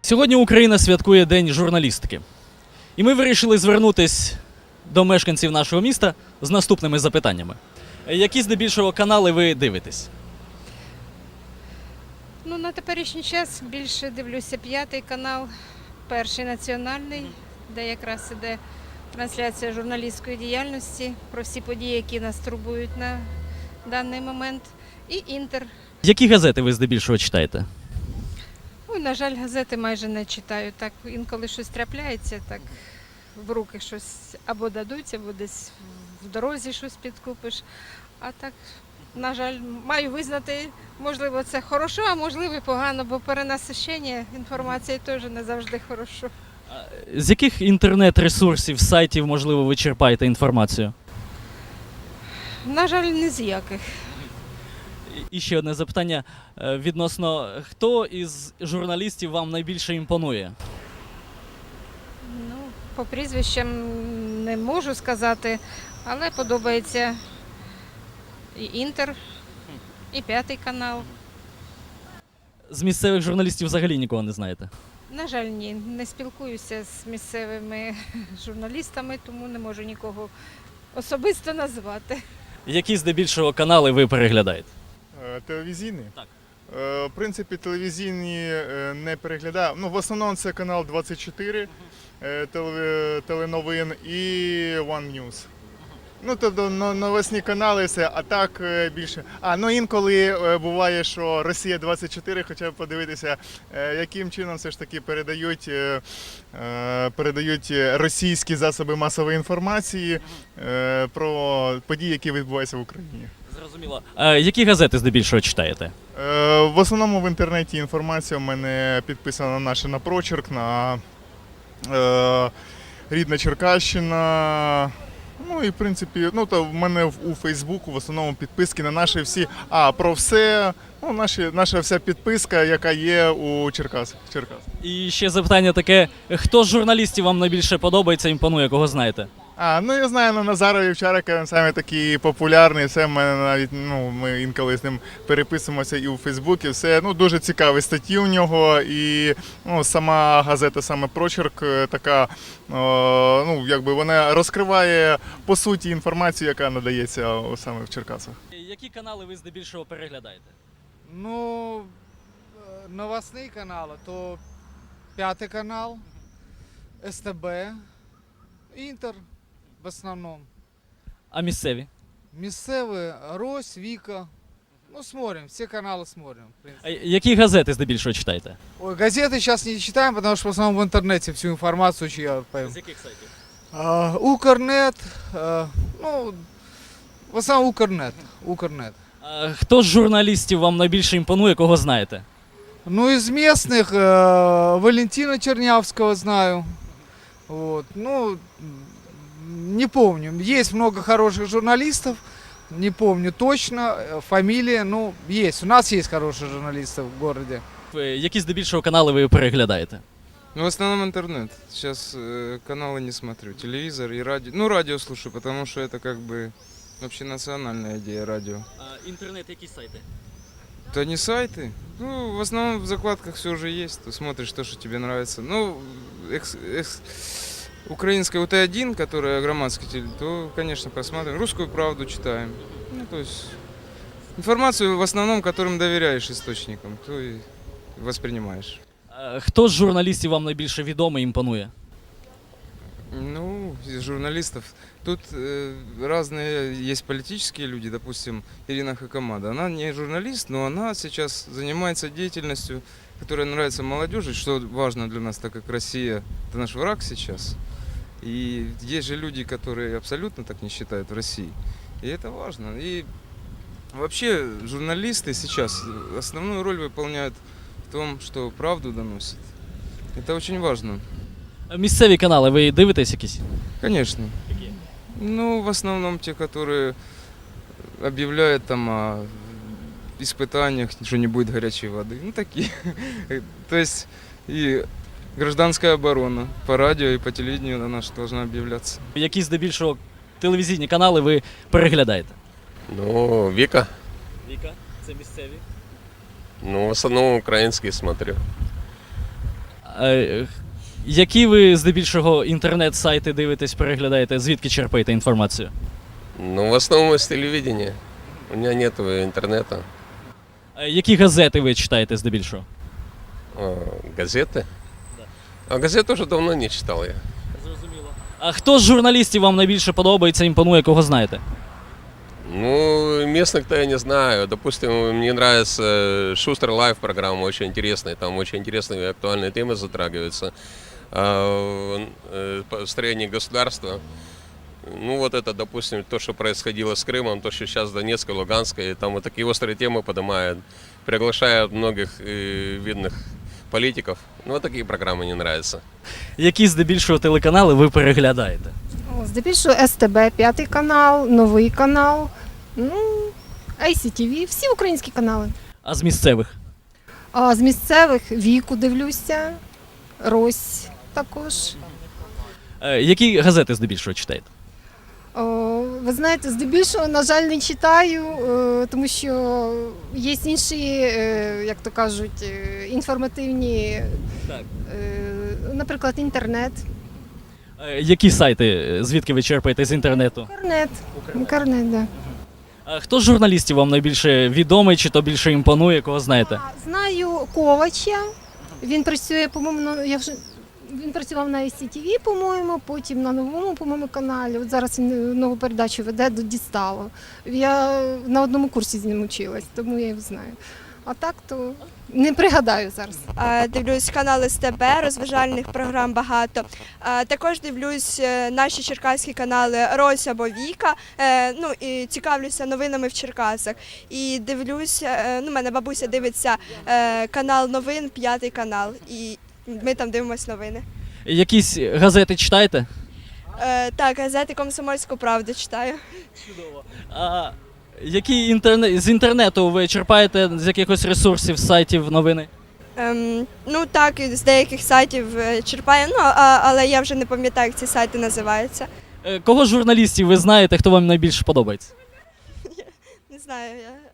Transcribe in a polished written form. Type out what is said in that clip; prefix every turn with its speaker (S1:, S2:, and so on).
S1: Сьогодні Україна святкує День журналістики. І ми вирішили звернутися до мешканців нашого міста з наступними запитаннями. Які здебільшого канали ви дивитесь?
S2: Ну, на теперішній час більше дивлюся п'ятий канал, перший національний, де якраз іде трансляція журналістської діяльності про всі події, які нас турбують на даний момент. І Інтер.
S1: Які газети ви здебільшого читаєте?
S2: Ой, на жаль, газети майже не читаю. Так інколи щось трапляється, так в руки щось або дадуть, або десь в дорозі щось підкупиш. А так, на жаль, маю визнати, можливо, це хорошо, а можливо і погано, бо перенасичення інформації теж не завжди хорошо.
S1: З яких інтернет-ресурсів, сайтів, можливо, ви черпаєте інформацію?
S2: На жаль, ні з яких.
S1: І ще одне запитання відносно, хто із журналістів вам найбільше імпонує?
S2: Ну, по прізвищам не можу сказати, але подобається і Інтер, і п'ятий канал.
S1: З місцевих журналістів взагалі нікого не знаєте?
S2: На жаль, ні, не спілкуюся з місцевими журналістами, тому не можу нікого особисто назвати.
S1: Які здебільшого канали ви переглядаєте?
S3: Телевізійні?
S1: Так.
S3: В принципі, телевізійні не переглядаю. Ну, в основному це канал 24 теленовин і One News. Ну, тобто новосні канали все, а так більше. Ну інколи буває, що Росія-24, хоча б подивитися, яким чином все ж таки передають російські засоби масової інформації про події, які відбуваються в Україні.
S1: Зрозуміло. Які газети здебільшого читаєте?
S3: В основному в інтернеті інформація у мене підписана на Прочерк, на Рідна Черкащина. Ну і в принципі, то в мене у Фейсбуку в основному підписки на наші всі, про все, наша вся підписка, яка є у Черкас.
S1: І ще запитання таке, хто з журналістів вам найбільше подобається, імпонує, кого знаєте?
S3: Я знаю Назара Вівчарика, він саме такий популярний, все, ми інколи з ним переписуємося і у Фейсбуці, все, дуже цікаві статті у нього, і сама газета, саме Прочерк, така, вона розкриває по суті інформацію, яка надається саме в Черкасах.
S1: Які канали ви здебільшого переглядаєте?
S4: Новостные каналы, то пятый канал, СТБ, Интер в основном.
S1: А місцеві?
S4: Місцеві, Рось, Віка. Смотрим, все каналы смотрим. В принципе.
S1: Які газети здебільшого читаєте?
S4: Ой, газеты сейчас не читаем, потому что в основном в интернете всю информацию читаем.
S1: З яких сайтів?
S4: Укрнет, в основном Укрнет.
S1: Хто з журналістів вам найбільше імпонує, кого знаєте?
S4: Из местных Валентина Чернявского знаю. Не помню. Есть много хороших журналистов, не помню точно фамилии, есть. У нас есть хорошие журналисты в городе.
S1: Які здебільшого канали ви переглядаєте?
S5: В основном интернет. Сейчас каналы не смотрю. Телевизор и радио. Радио слушаю, потому что это как бы общенациональная идея радио.
S1: Інтернет, які сайти?
S5: Это не сайты. В основном в закладках все уже есть. Ты смотришь то, что тебе нравится. Украинская УТ-1, которая громадский, то, конечно, просматриваем. Русскую правду читаем. То есть информацию в основном, которым доверяешь источникам, то и воспринимаешь.
S1: Хто з журналістів вам найбільше відомий, імпонує?
S5: Из журналистов. Тут разные есть политические люди, допустим, Ирина Хакамада. Она не журналист, но она сейчас занимается деятельностью, которая нравится молодежи, что важно для нас, так как Россия – это наш враг сейчас. И есть же люди, которые абсолютно так не считают в России. И это важно. И вообще журналисты сейчас основную роль выполняют в том, что правду доносят. Это очень важно.
S1: Місцеві канали ви дивитесь якісь?
S5: Конечно.
S1: Які?
S5: В основном те, которые объявляют там о испытаниях, что не будет горячей воды. Такие. То есть и гражданская оборона по радио и по телевидению она же должна объявляться.
S1: Які здебільшого телевізійні канали ви переглядаєте?
S6: Вика.
S1: Віка, це місцеві.
S6: В основном украинские смотрю.
S1: Які ви здебільшого інтернет-сайти дивитесь, переглядаєте, звідки черпаєте інформацію?
S6: Ну, в основном из телевидения. У меня нет интернета.
S1: Які газети ви читаєте здебільшого?
S6: Газеты? А газет уже давно не читал я.
S1: Зрозуміло. А хто з журналістів вам найбільше подобається, імпонує, кого знаєте?
S6: Ну, местных-то я не знаю. Допустим, мне нравится Шустер Лайв программа, очень интересная. Там очень интересные и актуальные темы затрагиваются. Построение государства. Ну, вот это, допустим, то, что происходило с Крымом, то, что сейчас Донецкой, Луганской, там вот такие острые темы поднимают. Приглашают многих видных политиков. Ну, вот такие программы мне нравятся.
S1: Які здебільшого телеканали ви переглядаєте?
S7: Здебільшого СТБ, П'ятий канал, Новий канал, ICTV, всі українські канали.
S1: А з місцевих?
S7: А з місцевих Віку дивлюся, Рось також.
S1: Які газети здебільшого читаєте?
S7: Ви знаєте, здебільшого, на жаль, не читаю, тому що є інші, як то кажуть, інформативні,
S1: Так.
S7: наприклад, інтернет.
S1: Які сайти, звідки ви черпаєте з інтернету?
S7: Інтернет, да.
S1: А хто з журналістів вам найбільше відомий, чи то більше імпонує, кого знаєте?
S7: Знаю Ковача. Він працює, по-моєму, він працював на ICTV, по-моєму, потім на новому, по-моєму, каналі. От зараз він нову передачу веде до Дістало. Я на одному курсі з ним училась, тому я його знаю. А так то не пригадаю зараз.
S8: Дивлюсь канали СТБ, розважальних програм багато. Також дивлюсь наші черкаські канали Рось або Віка. Ну і цікавлюся новинами в Черкасах. І дивлюсь, ну, мене бабуся дивиться канал новин, П'ятий канал. І ми там дивимося новини.
S1: Якісь газети читаєте?
S8: Так, газети «Комсомольську правду» читаю.
S1: Чудово. А які з інтернету ви черпаєте з якихось ресурсів, сайтів, новини?
S8: Ну так, з деяких сайтів черпаю, ну, але я вже не пам'ятаю, як ці сайти називаються.
S1: Кого з журналістів ви знаєте, хто вам найбільше подобається?
S8: Не знаю, я